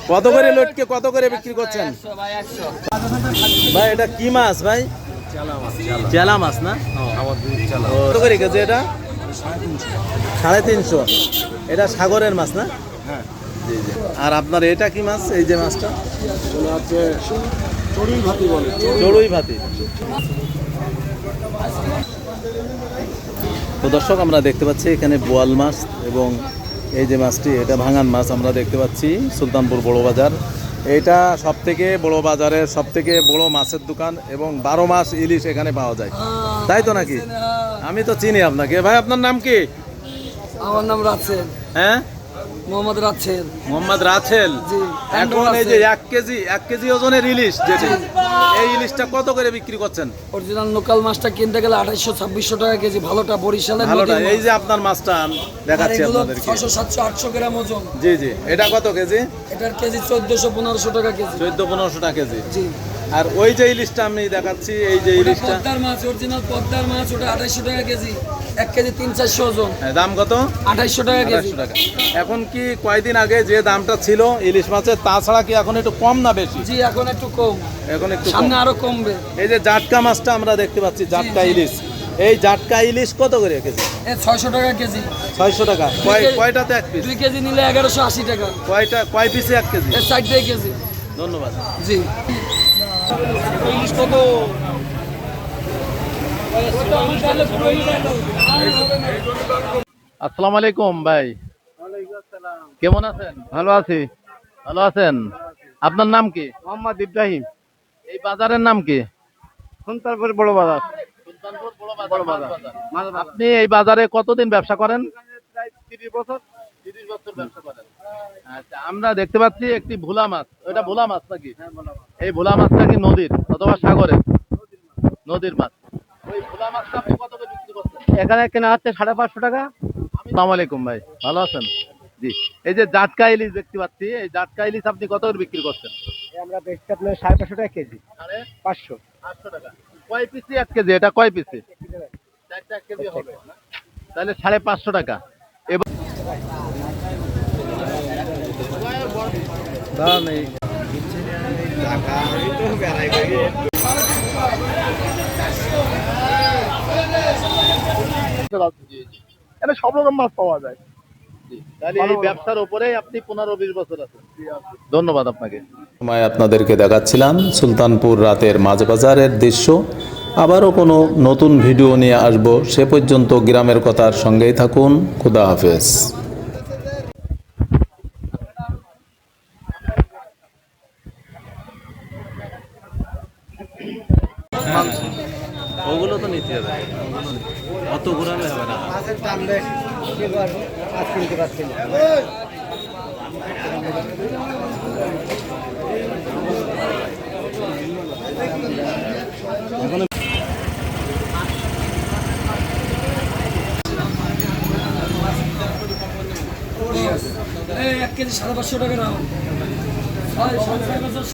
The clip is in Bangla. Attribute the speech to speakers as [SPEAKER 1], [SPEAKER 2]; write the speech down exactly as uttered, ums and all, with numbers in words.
[SPEAKER 1] কত করে লটকে কত করে বিক্রি করছেন ভাই? এটা কি মাছ ভাই? চেলা মাছ না? কত করে কেজি এটা? সাড়ে তিনশো। এটা সাগরের মাছ না?
[SPEAKER 2] হ্যাঁ।
[SPEAKER 1] জি জি। আর আপনার এটা কি মাছ? এই যে মাছটা
[SPEAKER 2] চড়ুই ভাতি বলে।
[SPEAKER 1] চড়ুই ভাতি। তো দর্শক আমরা দেখতে পাচ্ছি এখানে বোয়াল মাছ এবং এই যে মাছটি এটা ভাঙান মাছ আমরা দেখতে পাচ্ছি সুলতানপুর বড় বাজার। এটা সব থেকে বড় বাজারের সব থেকে বড় মাছের দোকান এবং বারো মাস ইলিশ এখানে পাওয়া যায়, তাই তো নাকি? আমি তো চিনি আপনাকে। ভাই আপনার নাম কি?
[SPEAKER 3] আমার নাম রাছেল।
[SPEAKER 1] হ্যাঁ,
[SPEAKER 3] মোহাম্মদ রাছেল।
[SPEAKER 1] মোহাম্মদ রাছেল। এখন এই যে এক কেজি এক কেজি ওজনের ইলিশ যেটি, এই ইলিশটা কত করে বিক্রি করছেন?
[SPEAKER 3] অরিজিনাল লোকাল মাছটা কিনতে গেলে আঠাইশশো ছাব্বিশশো টাকা কেজি, ভালোটা বরিশালের
[SPEAKER 1] ভালোটা। এই যে আপনার মাছটা দেখাচ্ছি আপনাদেরকে,
[SPEAKER 3] ছশো সাতশো আটশো গ্রাম ওজন।
[SPEAKER 1] জি জি। এটা কত কেজি?
[SPEAKER 3] এটার কেজি চোদ্দশো পনেরোশো টাকা কেজি।
[SPEAKER 1] চোদ্দ পনেরোশো টাকা কেজি।
[SPEAKER 3] জি।
[SPEAKER 1] আর ওই যে ইলিশটা আমি দেখাচ্ছি, এই যে ইলিশটা
[SPEAKER 3] পদ্মার মাছ, অরিজিনাল পদ্মার মাছ, ওটা আঠাইশশো টাকা কেজি, এক কেজি তিন চারশো ওজন।
[SPEAKER 1] দাম কত?
[SPEAKER 3] আঠাইশশো টাকা কেজি।
[SPEAKER 1] টাকা। এখন কি কয়দিন আগে যে দামটা ছিল ইলিশ মাছের, তাছাড়া কি এখন একটু কম না বেশি?
[SPEAKER 3] জি, এখন একটু কম,
[SPEAKER 1] এখন একটু
[SPEAKER 3] সামনে আরো কমবে।
[SPEAKER 1] এই যে জাটকা মাছটা আমরা দেখতে পাচ্ছি, জাটকা ইলিশ, এই জাটকা ইলিশ কত করে কেজি?
[SPEAKER 3] ছয়শো টাকা কেজি।
[SPEAKER 1] ছয়শো টাকা। কয় কয়টাতে এক পিস?
[SPEAKER 3] দুই কেজি নিলে এগারোশো আশি টাকা।
[SPEAKER 1] কয়টা কয় পিসে এক কেজি?
[SPEAKER 3] ষাটটাই কেজি।
[SPEAKER 1] ধন্যবাদ।
[SPEAKER 3] জি।
[SPEAKER 1] ইলিশ কত? আসসালামু আলাইকুম ভাই, কেমন আছেন?
[SPEAKER 2] ভালো আছি।
[SPEAKER 1] ভালো আছেন। আপনার নাম কি?
[SPEAKER 2] মোহাম্মদ ইব্রাহিম।
[SPEAKER 1] এই বাজারের নাম কি?
[SPEAKER 2] সুলতানপুর বড় বাজার।
[SPEAKER 1] বড় বাজার। আপনি এই বাজারে কতদিন ব্যবসা করেন?
[SPEAKER 2] প্রায় তিরিশ বছর।
[SPEAKER 1] তিরিশ বছর ব্যবসা করেন। আচ্ছা, আমরা দেখতে পাচ্ছি একটি ভোলা মাছ। ওটা ভোলা মাছ নাকি? এই ভোলা মাছটা কি নদীর অথবা সাগরের? নদীর মাছ। ওই ভোলা মাছটা আপনি কত করে বিক্রি করছেন?
[SPEAKER 2] এখানে কেনা হচ্ছে সাড়ে পাঁচশো টাকা।
[SPEAKER 1] আসসালামু আলাইকুম ভাই, ভালো আছেন? জি। এই যে জাটকা ইলিশ দেখতে পাচ্ছি, এই জাটকা ইলিশ আপনি কত করে বিক্রি করছেন?
[SPEAKER 2] আমরা বেচতে আপনার সাড়ে পাঁচশো টাকা কেজি।
[SPEAKER 1] সাড়ে
[SPEAKER 2] পাঁচশো।
[SPEAKER 1] আটশো টাকা। কয় পিসি এক কেজি? এটা কয় পিসি? চারটা এক কেজি হবে, তাহলে সাড়ে পাঁচশো টাকা। এবার
[SPEAKER 2] এটা সব রকম মাছ পাওয়া যায়।
[SPEAKER 1] তাহলে এই ব্যবসার উপরে আপনি পনেরো বিশ বছর আছেন। ধন্যবাদ আপনাকে। সময় আপনাদেরকে দেখাচ্ছিলাম সুলতানপুর রাতের মাছ বাজারের দৃশ্য। আবারও কোনো নতুন ভিডিও নিয়ে আসব, সে পর্যন্ত গ্রামের কথার সঙ্গেই থাকুন। খুদা হাফেজ। ওগুলো তো নিতে হবে, অত ঘোরালে হবে না।
[SPEAKER 2] মাছের দাম বেশ, কি করবো, মাছ কিনতে পারছি না।
[SPEAKER 3] এক কেজি সাড়ে পাঁচশো টাকা দাম।